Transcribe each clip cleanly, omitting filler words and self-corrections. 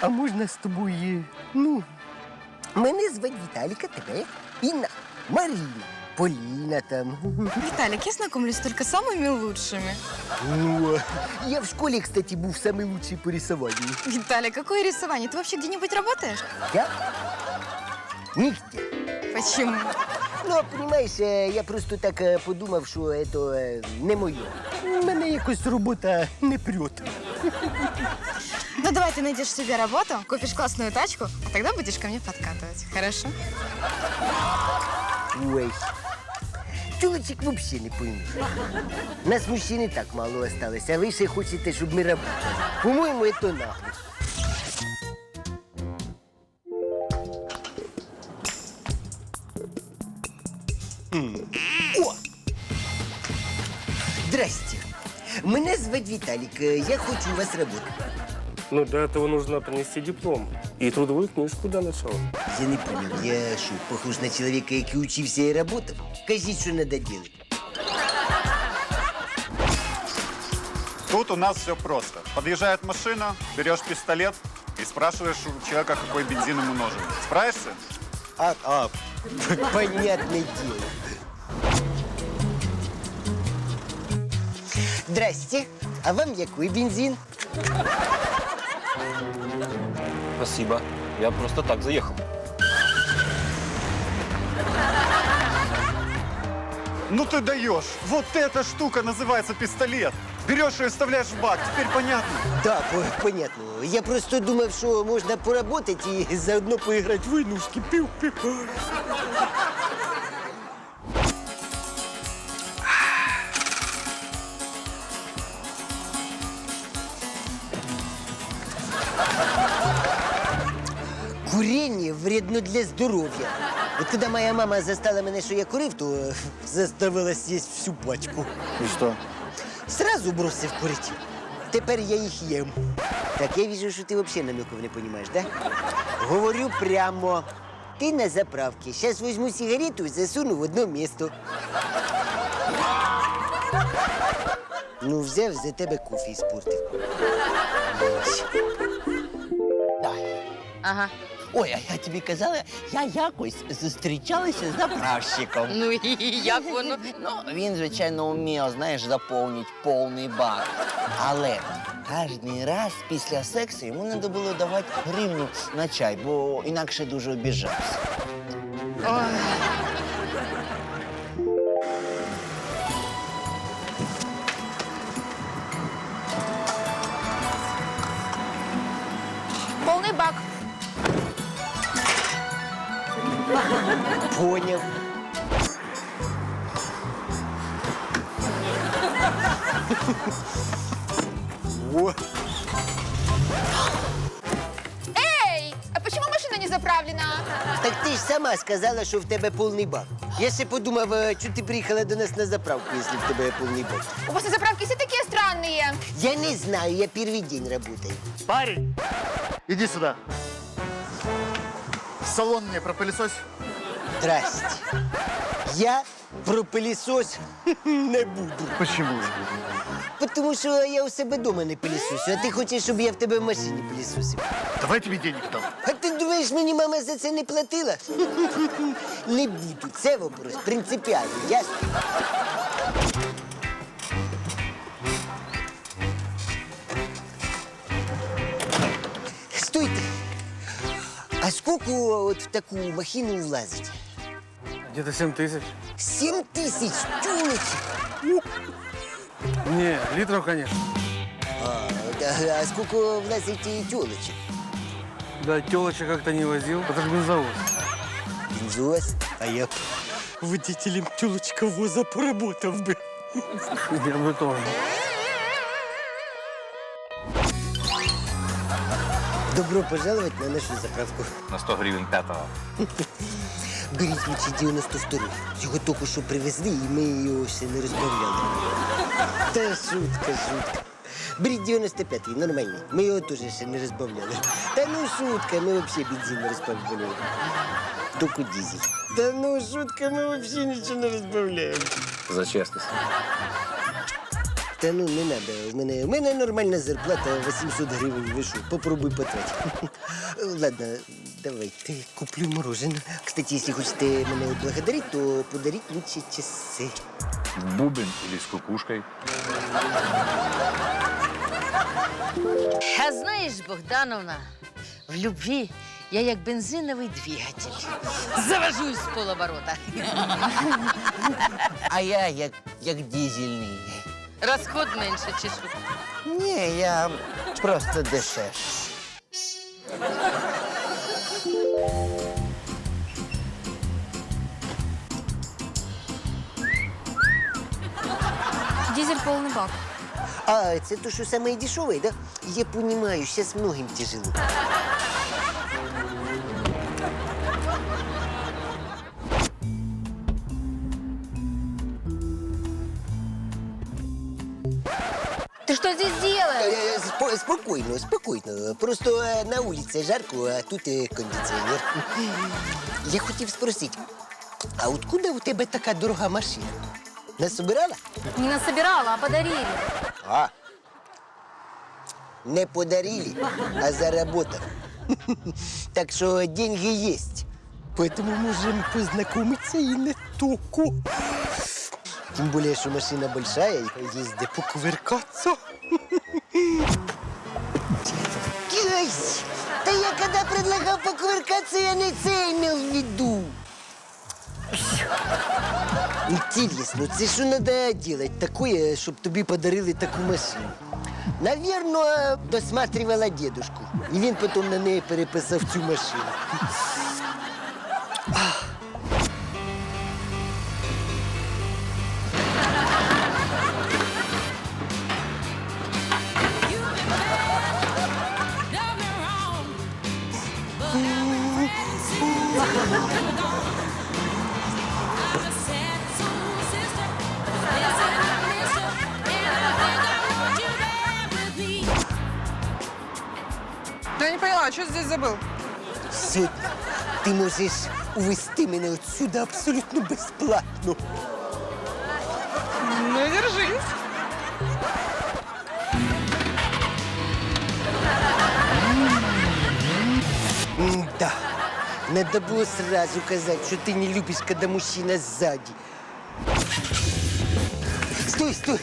А можна з тобою, ну, мене звати Віталіка, тебе Інна, Маріна, Поліна там. Виталик, я знакомлюсь только с самыми лучшими. О, я в школе, кстати, был самый лучший по рисованию. Виталик, какое рисование? Ты вообще где-нибудь работаешь? Я? Нигде. Почему? Ну, понимаешь, я просто так подумав, що це не моє. Мене якось робота не прет. Ну давай ты найдешь себе работу, купишь классную тачку, а тогда будешь ко мне подкатывать. Хорошо? Ой. Чоловічок вообще не пойму. Нас мужчин и так мало осталось, а ви ще хочете, щоб ми работали. По-моєму, це нагло. О! Здрасте. Мене звати Віталік. Я хочу у вас работать. Ну, для этого нужно принести диплом и трудовую книжку для начала. Я не понял, я що, похож на чоловіка, який учився і работав? Кажіть, що треба робити. Тут у нас все просто. Подъезжает машина, берешь пистолет и спрашиваешь у человека, какой бензин ему нужен. Справишься? Понятное дело. Здрасте. А вам який бензин? Спасибо. Я просто так заехал. Ну ты даешь! Вот эта штука называется пистолет. Берешь ее и вставляешь в бак. Теперь понятно? Да, понятно. Я просто думав, що можна поработать і заодно поіграти в войнушки. Пів-пів. Курение вредно для здоров'я. От коли моя мама застала мене, що я курив, то заставила з'їсти всю пачку. И что? Сразу бросив курити. Тепер я їх їм. Так, я вижу, що ти взагалі намеків не розумієш, да? Говорю прямо. Ти на заправці. Зараз візьму сигарету і засуну в одно місто. Ну, взяв за тебе кофе і спортив. Ага. Ой, а я тобі казала, я якось зустрічалася з заправщиком. Ну и як воно? Ну, він, звичайно, вмів, знаєш, заповнити повний бак. Але кожен раз після сексу йому треба було давати гривню на чай, бо інакше дуже обіжався. Полный бак. Поняв. О, Эй, а почему машина не заправлена? так ти ж сама сказала, що в тебе повний бак. Я ще подумав, чому ти приїхала до нас на заправку, якщо в тебе повний бак. У вас на заправке все такие странные. Я не знаю, я первый день работаю. Парень, иди сюда. Салон мне пропылесось. Здрасте. Я про пилісос не буду. Почему? Тому що я у себе вдома не пилісосю, а ти хочеш, щоб я в тебе в машині пилісосив. Давай тебе денег дам. А ти думаєш, мені мама за це не платила? Не буду. Це вопрос принципіальний, ясно? Стойте. А скільки от в таку махину влазить? Где-то 7 тысяч. 7 тисяч тюлечек. Не, литров, конечно. А скільки влазить і тюлечек? Да, телочек как-то не возил. Это же бензовоз. Бензовоз? А я водителем тюлочковоза поработав би. Я бы тоже. Добро пожаловать на нашу заправку. На 100 гривен пятого. Беріть лучше 92. Його тільки що привезли, і ми його ще не розбавляли. Та шутка. Беріть 95-й, нормальний. Ми його теж ще не розбавляли. Та ну шутка, ми взагалі бензин не розбавляли. Тільки дизель. Та ну шутка, ми взагалі нічого не розбавляємо. За честность. Та ну не треба. В мене нормальна зарплата 800 гривень. Ви що, попробуй потратити. Ладно, давайте куплю мороженое. Кстати, если хочете меня отблагодарить, то подарить лучше часы. Бубен или с кукушкой? А знаєш, Богдановна, в любві я як бензиновий двигатель. Завожусь з полоборота. А я як дизельний. Розход менше чи що? Ні, я просто дешевший. Дизель полный бак. А, это то, что самое дешевое, да? Я понимаю, сейчас многим тяжело. Ты что здесь делаешь? Спокойно, спокойно. Просто на улице жарко, а тут кондиционер. Я хотів спросити, а откуда у тебе така дорога машина? Насобирала? Не насобирала, а подарили. А. Не подарили, а заработал. Так что деньги есть. Поэтому можем познакомиться и не только. Тем более, что машина большая, и есть где покувыркаться. Ай, да я когда предлагал покувыркаться, я не це имел в виду. Интересно, це що надо делать такое, щоб тобі подарили таку машину? Наверно, досматривала дедушку. І він потім на неї переписав цю машину. Я не поняла, что здесь забыл? Сьогодні ти можеш увезти мене отсюда абсолютно безплатно. Ну, держись. Да. Надо было сразу сказать, что ты не любишь, когда мужчина сзади. Стой, стой.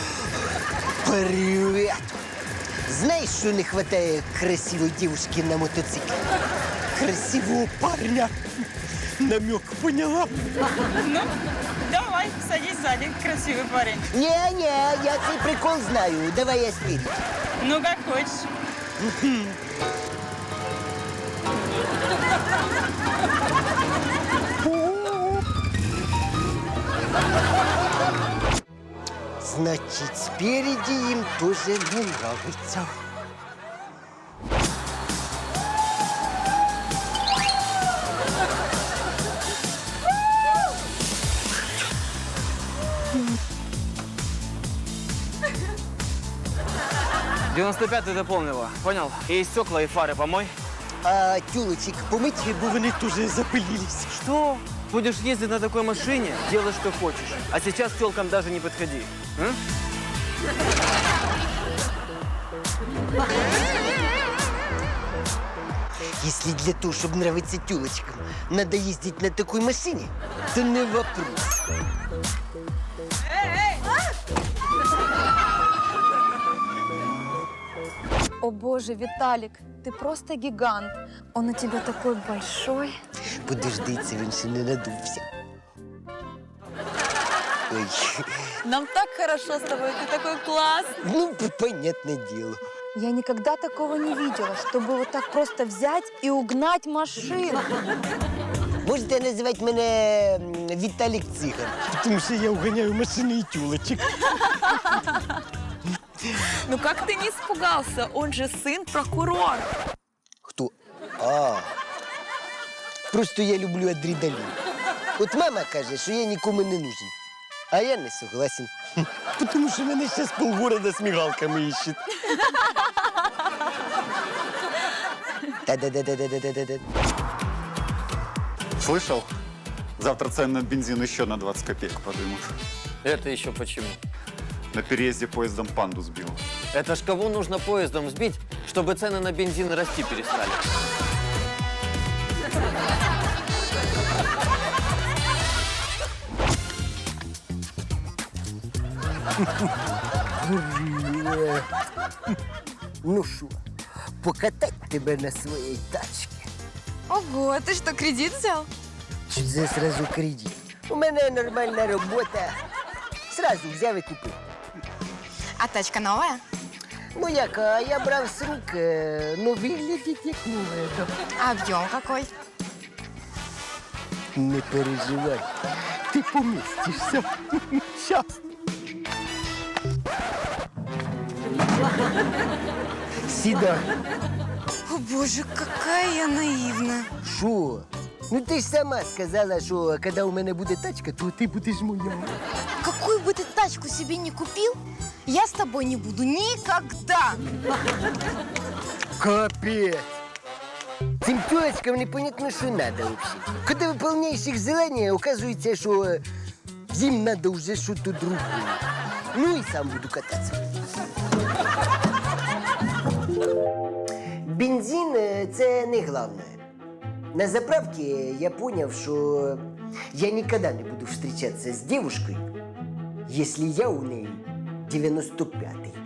Привет. Знаешь, что не хватает красивой девушки на мотоцикле? Красивого парня. Намек поняла? Ну, давай, садись сзади, красивый парень. Не-не, я цей прикол знаю. Давай я спереди. Ну, как хочешь. Значит, спереди им тоже не нравится. — 95-й дополнила, понял? И стекла, и фары помой. А тюлочек помыть, бо вони тоже запылились. Что? Будешь ездить на такой машине, делай, что хочешь. А сейчас к телкам даже не подходи. М? Если для того, чтобы нравиться тюлочкам, надо ездить на такой машине, то не вопрос. О боже, Виталик, ты просто гигант. Он у тебя такой большой. Подожди, це він ще не надувся. Ой, Нам так хорошо с тобой, ты такой классный. ну, понятное дело. Я никогда такого не видела, чтобы вот так просто взять и угнать машину. Можете називати мене Віталік Циган, тому що я уганяю машини і тюлочек. Ну как ты не испугался? Он же сын прокурора. Хто? А. Просто я люблю адреналін. От мама каже, що я нікому не нужен. А я не согласен. Тому що мене зараз полгорода з мігалками іщуть. Та-да-да-да-да-да-да-да. Слышал? Завтра цены на бензин еще на 20 копеек подымут. Это еще почему? На переезде поездом панду сбил. Это ж кого нужно поездом сбить, чтобы цены на бензин расти перестали? Ну що, покатать тебе на своїй тачці? Ого, ты что, кредит взял? Чи це сразу кредит? У мене нормальна робота. Сразу взяв і купив. А тачка новая? Ну як, а я брав з рук, ну виглядить як нове. А объем какой? Не переживай, ти помістишся. Щас. Сідай. О боже, какая я наивная. Що? Ну ти ж сама сказала, що коли у мене буде тачка, то ти будеш моя. Какую бы ты тачку себе не купил, я с тобой не буду никогда. Капець. Цим тёлочкам непонятно, що надо вообще. Коли виповняєш їх желання, оказується, що їм надо вже щось другое. Ну і сам буду кататися. Бензин – це не головне. На заправке я понял, что я никогда не буду встречаться с девушкой, если я у ней 95-й.